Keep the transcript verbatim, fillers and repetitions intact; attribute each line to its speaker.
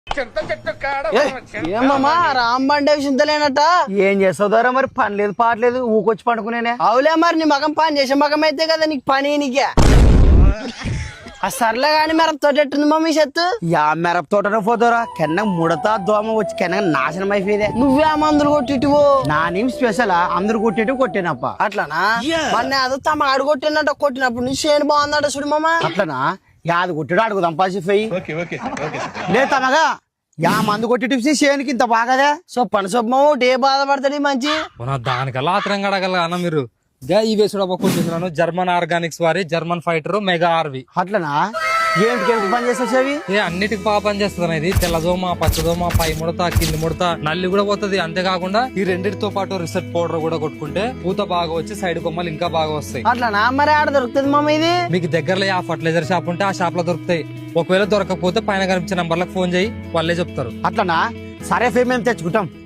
Speaker 1: ఏమమ్మా రాంబండే చింతలేనట
Speaker 2: ఏం చేస్తావు ద్వారా మరి పని లేదు పాటలేదు ఊకొచ్చి పండుకునేనే.
Speaker 1: అవులే మరి నీ మగం పని చేసే మగం అయితే కదా నీకు పని నీకే ఆ సర్లే గాని మరి తోటెట్టుంది మమ్మీ చెత్తు
Speaker 2: యా మిరప తోటలో పోతారా కెన్న ముడతా దోమ వచ్చి కెన్న నాశనం అయిపోయేదే.
Speaker 1: నువ్వే ఆ మందులు కొట్టిటివో
Speaker 2: నా నేమ్ స్పెషల్ అందరు కొట్టేటి కొట్టేనప్ప.
Speaker 1: అట్లానా మొన్న అదో తమ ఆడు కొట్టినట్టు కొట్టినప్పుడు నీ చేను బాగుందట చూడు మామ.
Speaker 2: అట్లనా యాది కొట్టాడు అడుగుదాం పాసిపోయి లే తమగా యా మందు కొట్టి టిప్స్ చేయనికి ఇంత బాగాదే.
Speaker 1: సో పని సొమ్మ ఏ బాధపడతాడు మంచి
Speaker 3: దానికల్లా ఆత్రం గడగల అన్న మీరు ఈ వేసుడు కొట్టిస్తున్నాను జర్మన్ ఆర్గానిక్స్ వారి జర్మన్ ఫైటర్ మెగా ఆర్వి.
Speaker 2: అట్లనా ఏంటికి పని చేసేవి
Speaker 3: ఏ అన్నిటికి బాగా పని చేస్తుంది. ఇది తెల్లదోమ పచ్చదోమ పై ముడత కింది ముడత నల్లి కూడా పోతుంది. అంతేకాకుండా ఈ రెండింటితో పాటు రిసెట్ పౌడర్ కూడా కొట్టుకుంటే పూత బాగా వచ్చి సైడ్ కొమ్మలు ఇంకా బాగా వస్తాయి.
Speaker 1: అట్లనా మరి ఆడ దొరుకుతుంది మామ ఇది?
Speaker 3: మీకు దగ్గరలో ఆ ఫర్టిలైజర్ షాప్ ఉంటే ఆ షాప్ లో దొరుకుతాయి. ఒకవేళ దొరకకపోతే పైన కనిపించే నంబర్లకు ఫోన్ చేయి వాళ్ళే చెప్తారు.
Speaker 2: అట్లనా సరే ఫే మేము తెచ్చుకుంటాం.